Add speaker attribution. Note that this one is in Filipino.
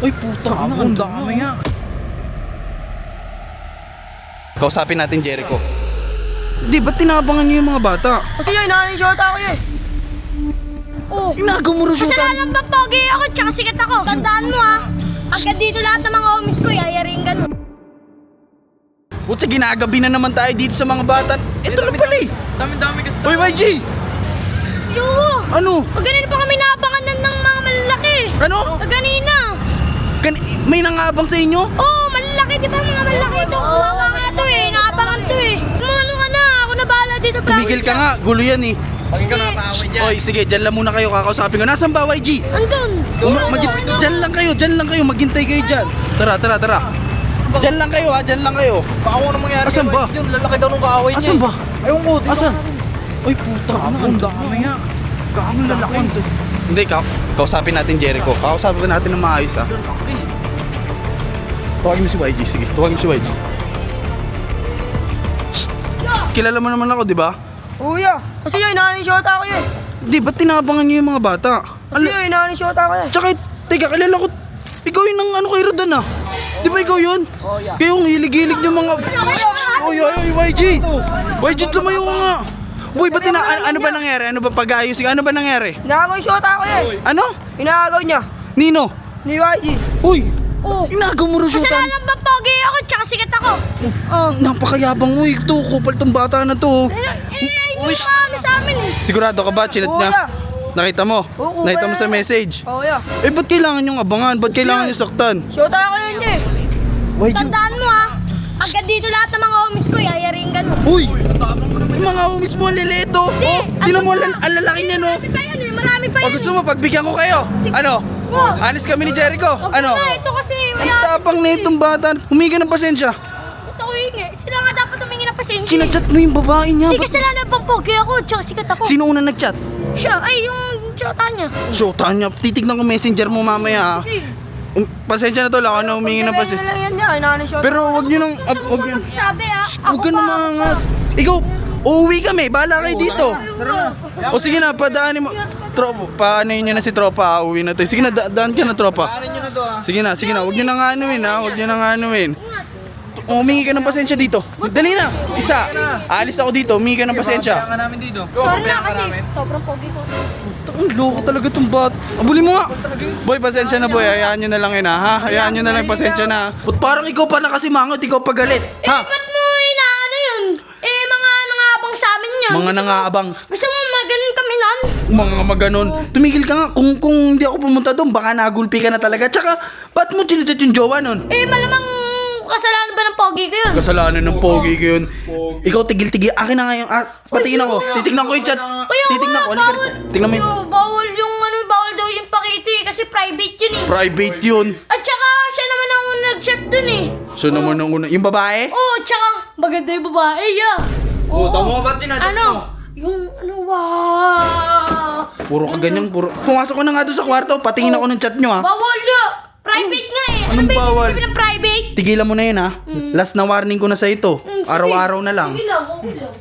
Speaker 1: Ay, puta. Ang dami nga. Kausapin natin Jericho. Di, ba't tinabangan niyo yung mga bata?
Speaker 2: Kasi yun, nanay-shota ako yun. Oh.
Speaker 1: Inagaw mo rin siya.
Speaker 2: Kasalanan ba pogi ako tsaka sikat ako? Tandaan mo ha. Agad dito lahat ng mga homies ko, yayaring ganun.
Speaker 1: Puta, ginagabi na naman tayo dito sa mga bata. Ito na pala eh.
Speaker 3: Dami-dami kasi.
Speaker 1: Uy, YG!
Speaker 2: Yo!
Speaker 1: Ano?
Speaker 2: Pag ganun pa kami naabangan ng mga malalaki.
Speaker 1: Ano?
Speaker 2: Pag ganina.
Speaker 1: May nangabang sa inyo?
Speaker 2: Oo, malalaki, di ba mga malalaki ito? Kawawa nga to eh, naabangan to eh. Ano ka na, ako na bahala dito, promise.
Speaker 1: Tumigil ka nga, gulo yan eh.
Speaker 3: Pag ikaw nakakaaway dyan.
Speaker 1: Oy, sige, dyan lang muna kayo, kakausapin ko. Nasaan ba, YG?
Speaker 2: Andun.
Speaker 1: Dyan lang kayo, maghintay kayo dyan. Tara. Dyan lang kayo ha, dyan lang kayo.
Speaker 3: Baka ano mangyari
Speaker 1: Asan
Speaker 3: kay
Speaker 1: ba?
Speaker 3: YG yun, lalaki daw nung kaaway niya.
Speaker 1: Asan ba?
Speaker 3: Ewan ko, dito.
Speaker 1: Asan? Ay, puta, ang dami nga. Ang lalaki. Hindi, kausapin natin Jericho. Kausapin natin ng maayos ha. Tuwagin mo si YG, sige. Tuwagin mo si YG. Shh! Kilala mo naman ako, di ba?
Speaker 2: Kuya, kasi yun, nanay-shota ako yun.
Speaker 1: Di, ba't tinabangan niyo yung mga bata?
Speaker 2: Kasi yun, nanay-shota ako yun.
Speaker 1: Tsaka, teka, kilala ko. Ikaw yun ang ano kay Rodan ah. Di ba ikaw yun?
Speaker 3: Oh, yeah.
Speaker 1: Kayo ang hilig-hilig niyo mga... Oy, YG! YG, lumayo ka nga. Boy, ba't ano ba nangyari? Ano ba pag-aayusin? Ano ba nangyari?
Speaker 2: Inagaw yung shota ako yun.
Speaker 1: Ano?
Speaker 2: Inagaw niya.
Speaker 1: Nino?
Speaker 2: Ni YG.
Speaker 1: Uy!
Speaker 2: Oo.
Speaker 1: Inagaw mo rin siya.
Speaker 2: Kasalanan ba pogi ako tsaka sikat ako? Oh.
Speaker 1: Napakayabang mo eh. Ito, kupal tong bata na to.
Speaker 2: Hindi naman sa amin eh.
Speaker 1: Sigurado ka ba? Chinat niya?
Speaker 2: Kuya.
Speaker 1: Nakita mo?
Speaker 2: Oo,
Speaker 1: Nakita mo
Speaker 2: kuya.
Speaker 1: sa message?
Speaker 2: Oo, yeah.
Speaker 1: Eh, ba't kailangan yung abangan? Ba't kailangan yung saktan?
Speaker 2: Shota ako yun eh.
Speaker 1: YG!
Speaker 2: Tandaan mo ha. Agad dito lahat ng mga homies ko, yayaring ganun.
Speaker 1: Uy! Yung mga homies mo, ang lilito. Oh, tinan mo, ang lalaki niya, no?
Speaker 2: Marami pa yun eh, marami pa
Speaker 1: O
Speaker 2: yun.
Speaker 1: gusto mo, pagbigyan ko kayo. Ano?
Speaker 2: Oh.
Speaker 1: Alis kami ni Jericho.
Speaker 2: Huwag
Speaker 1: Ano?
Speaker 2: na, ito kasi
Speaker 1: Ang tapang na itong bata. Humingi ka ng pasensya.
Speaker 2: Ito ko yun eh. Sila nga dapat humingi ng pasensya.
Speaker 1: Sinachat mo yung babae niya.
Speaker 2: Hindi kasalanan pang pogi ako, tsaka sikat ako.
Speaker 1: Sino una nagchat?
Speaker 2: Siya, ay yung shota niya.
Speaker 1: So, Tanya, titignan ko messenger mo mamaya.
Speaker 2: Sige.
Speaker 1: Pasensya na tol, ako na humingi ng pasensya.
Speaker 2: lang yan niya, nanay-shota.
Speaker 1: Pero wag niyo nang, wag niyo.
Speaker 2: Sabi ah,
Speaker 1: Huwag ka na mangas. Ikaw, uuwi kami. Bahala kayo dito. O sige na, padaanin mo. Tropa, paano yun na si tropa? Uuwi na to. Sige na, daan ka na tropa.
Speaker 3: Paanin nyo na to ah.
Speaker 1: Sige na, huwag niyo nang anuin ha. Huwag niyo nang anuin. Humingi ka ng pasensya dito. Dali na. Isa. Alis ako dito. Humingi ka ng pasensya.
Speaker 3: Kaya nga namin dito.
Speaker 2: Sorry na kasi sobrang pogi ko.
Speaker 1: Ang loko talaga itong bat. Abulin mo nga. Boy, pasensya na boy. Hayaan nyo na lang yun ha. Hayaan nyo na lang, pasensya na. Ba't parang ikaw pa nakasimangot, ikaw pa galit? Ha?
Speaker 2: Ba't mo inaano yun? Eh, mga nangabang sa amin yan.
Speaker 1: Mga nangaabang.
Speaker 2: Gusto mo maganon kami nun?
Speaker 1: Mga maganon. Tumigil ka nga. Kung hindi ako pumunta doon, baka nagulpi ka na talaga. Tsaka, ba't mo chinachat yung jowa nun?
Speaker 2: Eh, malamang kasalanan ba ng pogi ko yun?
Speaker 1: Kasalanan ng pogi ko yun. Ikaw tigil-tigil. Akin na nga yung... patingin ako. Titignan ko yung chat. Titignan ko. Halika rito. Tingnan mo yun.
Speaker 2: Bawal yung bawal daw yung pakiti kasi private yun eh.
Speaker 1: Private yun.
Speaker 2: At saka, siya naman ang nag-chat dun eh.
Speaker 1: So naman ang una. Yung babae?
Speaker 2: Oo, tsaka, maganda yung babae, yeah.
Speaker 3: Oo, tama ba tinadyak
Speaker 2: Ano?
Speaker 3: mo?
Speaker 2: Yung, wow.
Speaker 1: Puro ka ganyan. Pumasok ko na nga doon sa kwarto. Patingin ako ng chat nyo ha.
Speaker 2: Bawal yun. Private nga eh.
Speaker 1: Anong
Speaker 2: Ano ba
Speaker 1: bawal?
Speaker 2: yung sabi ng private?
Speaker 1: Tigilan mo na yun ha. Last na warning ko na sa ito. Araw-araw na lang.
Speaker 2: Sige lang, okay lang.